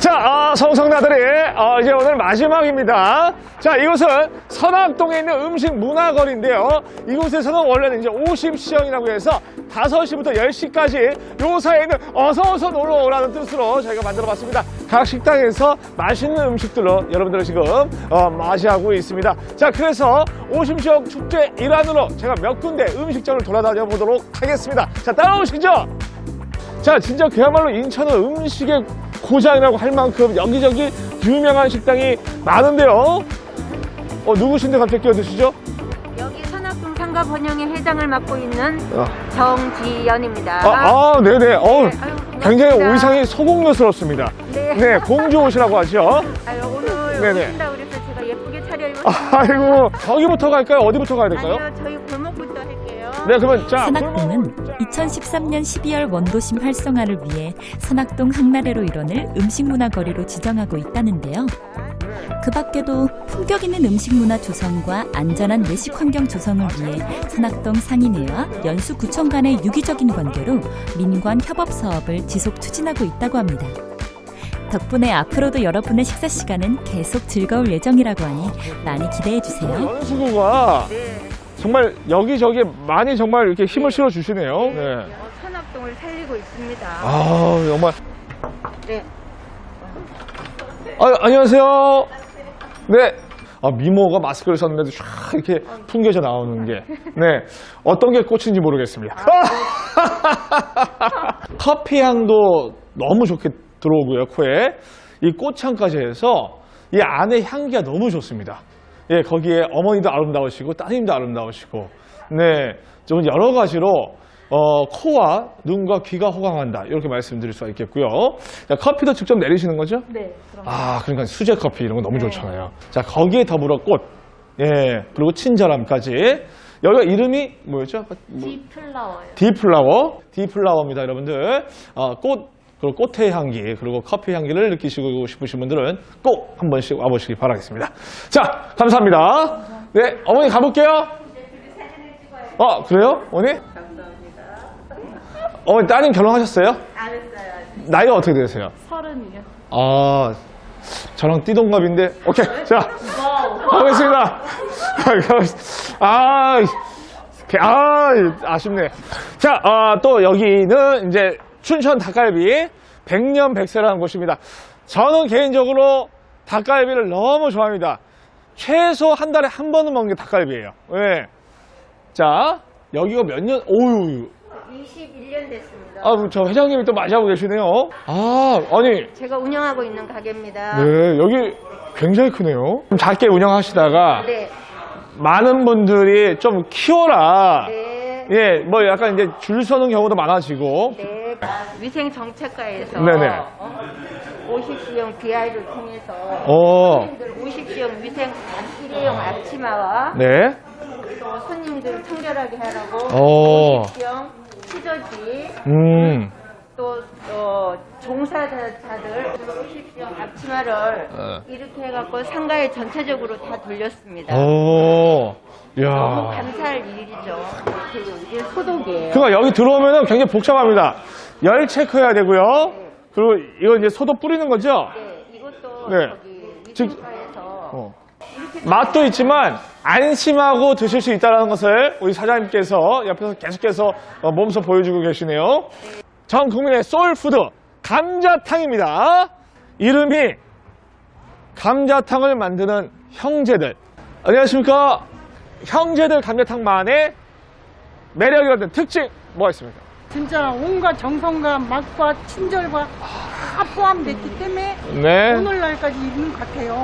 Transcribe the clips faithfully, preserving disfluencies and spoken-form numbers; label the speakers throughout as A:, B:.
A: 자, 아, 성성나들이 어, 이제 오늘 마지막입니다. 자, 이곳은 선악동에 있는 음식 문화거리인데요. 이곳에서는 원래는 이제 오십 시형이라고 해서 다섯 시부터 열 시까지 요 사이에 있는 어서어서 놀러 오라는 뜻으로 저희가 만들어 봤습니다. 각 식당에서 맛있는 음식들로 여러분들을 지금 어, 맞이하고 있습니다. 자, 그래서 오십 시형 축제 일환으로 제가 몇 군데 음식점을 돌아다녀 보도록 하겠습니다. 자, 따라오시죠. 자, 진짜 그야말로 인천은 음식의 고장이라고 할 만큼 여기저기 유명한 식당이 많은데요. 어, 누구신데 갑자기 끼어드시죠?
B: 여기 선악동 상가 번영의 회장을 맡고 있는
A: 어.
B: 정지연입니다.
A: 아, 아 네네. 어,
B: 네, 아유,
A: 굉장히
B: 반갑습니다.
A: 의상이 소공녀스럽습니다.
B: 네.
A: 네, 공주 옷이라고 하죠.
B: 아유, 오늘
A: 네네.
B: 오신다 그래서 제가 예쁘게 차려입었습니다.
A: 아, 아이고, 저기부터 갈까요? 어디부터 가야 될까요?
B: 아니요, 저희 골목부터 할게요.
A: 네, 그러면 자,
C: 선악동은
A: 골목- 자,
C: 이천십삼 년 십이월 원도심 활성화를 위해 선악동 항나래로 일원을 음식문화거리로 지정하고 있다는데요. 그 밖에도 품격 있는 음식문화 조성과 안전한 외식 환경 조성을 위해 선악동 상인회와 연수구청 간의 유기적인 관계로 민관 협업 사업을 지속 추진하고 있다고 합니다. 덕분에 앞으로도 여러분의 식사 시간은 계속 즐거울 예정이라고 하니 많이 기대해 주세요.
A: 연수구가
B: 네.
A: 정말 여기저기 많이 정말 이렇게 힘을 실어 주시네요. 네.
B: 어, 선악동을 살리고 있습니다.
A: 아, 정말.
B: 네.
A: 아, 안녕하세요. 네. 아, 미모가 마스크를 썼는데도 쫙 이렇게 풍겨져 나오는 게. 네. 어떤 게 꽃인지 모르겠습니다. 커피 향도 너무 좋게 들어오고요, 코에. 이 꽃향까지 해서 이 안에 향기가 너무 좋습니다. 예, 거기에 어머니도 아름다우시고 따님도 아름다우시고. 네. 좀 여러 가지로 어, 코와 눈과 귀가 호강한다. 이렇게 말씀드릴 수가 있겠고요. 자, 커피도 직접 내리시는 거죠?
B: 네. 그럼.
A: 아, 그러니까 수제 커피 이런 거 너무
B: 네.
A: 좋잖아요. 자, 거기에 더불어 꽃. 예, 그리고 친절함까지. 여기가 이름이 뭐였죠? 뭐,
B: 디플라워요.
A: 디플라워. 디플라워입니다, 여러분들. 어, 꽃, 그리고 꽃의 향기, 그리고 커피 향기를 느끼시고 싶으신 분들은 꼭 한 번씩 와보시기 바라겠습니다. 자, 감사합니다. 네, 어머니 가볼게요. 어, 그래요? 어머니? 어머니, 따님 결혼하셨어요?
B: 안 했어요.
A: 나이가 어떻게 되세요?
B: 서른이요.
A: 아, 저랑 띠동갑인데. 오케이. 자, 가보겠습니다. 아, 아, 아쉽네. 자, 아, 또 여기는 이제 춘천 닭갈비 백년백세라는 곳입니다. 저는 개인적으로 닭갈비를 너무 좋아합니다. 최소 한 달에 한 번은 먹는 게 닭갈비예요. 네. 자, 여기가 몇 년, 오유.
B: 이십일 년 됐습니다.
A: 아, 저 회장님이 또 맞이하고 계시네요. 아, 아니.
B: 제가 운영하고 있는 가게입니다.
A: 네, 여기 굉장히 크네요. 좀 작게 운영하시다가
B: 네.
A: 많은 분들이 좀 키워라.
B: 네.
A: 예, 뭐 약간 이제 줄 서는 경우도 많아지고.
B: 네. 위생 정책과에서
A: 네네.
B: 어, 오십 시형 비아이를 통해서
A: 어,
B: 손님들 오십 시형 위생 일회용 앞치마와
A: 네.
B: 또 손님들 청결하게 하라고
A: 어.
B: 오십 시형 치저지
A: 음,
B: 또, 또 종사자들 오십 시형 앞치마를
A: 어.
B: 이렇게 해갖고 상가에 전체적으로 다 돌렸습니다.
A: 오,
B: 너무
A: 야.
B: 감사할 일이죠. 그리고 이게 소독이에요.
A: 그러니까 여기 들어오면은 굉장히 복잡합니다. 열 체크해야 되고요. 그리고 이거 이제 소독 뿌리는 거죠?
B: 네, 이것도
A: 네.
B: 저기
A: 즉-
B: 위생과에서
A: 어. 맛도 있지만 안심하고 드실 수 있다는 것을 우리 사장님께서 옆에서 계속해서 어, 몸소 보여주고 계시네요. 전 국민의 소울푸드 감자탕입니다. 이름이 감자탕을 만드는 형제들. 안녕하십니까? 형제들 감자탕만의 매력이라는 특징 뭐가 있습니까?
D: 진짜 온갖 정성과 맛과 친절과 다 포함됐기 때문에
A: 네.
D: 오늘날까지 있는 것 같아요.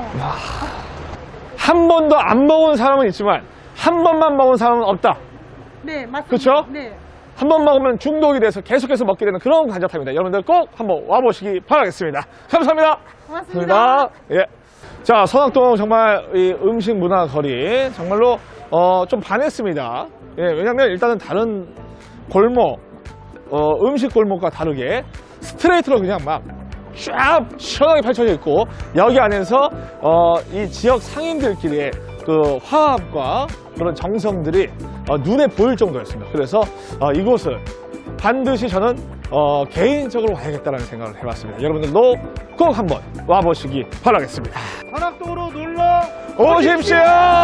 A: 한 번도 안 먹은 사람은 있지만 한 번만 먹은 사람은 없다.
D: 네, 맞습니다.
A: 그쵸?
D: 네.
A: 한 번 먹으면 중독이 돼서 계속해서 먹게 되는 그런 감자탕입니다. 여러분들 꼭 한번 와보시기 바라겠습니다. 감사합니다.
D: 고맙습니다.
A: 예. 자, 선악동 정말 이 음식 문화 거리 정말로 어, 좀 반했습니다. 예, 왜냐면 일단은 다른 골목, 어, 음식 골목과 다르게 스트레이트로 그냥 막 쫙 시원하게 펼쳐져 있고 여기 안에서 어, 이 지역 상인들끼리의 그 화합과 그런 정성들이 어, 눈에 보일 정도였습니다. 그래서 어, 이곳을 반드시 저는 어, 개인적으로 와야겠다는 생각을 해봤습니다. 여러분들도 꼭 한번 와보시기 바라겠습니다.
E: 산악동으로 놀러
A: 오십시오!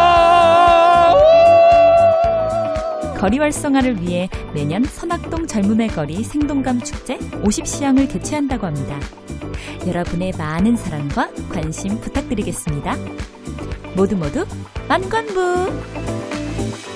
C: 거리 활성화를 위해 매년 선악동 젊음의 거리 생동감 축제 오십 시향을 개최한다고 합니다. 여러분의 많은 사랑과 관심 부탁드리겠습니다. 모두 모두 만관부!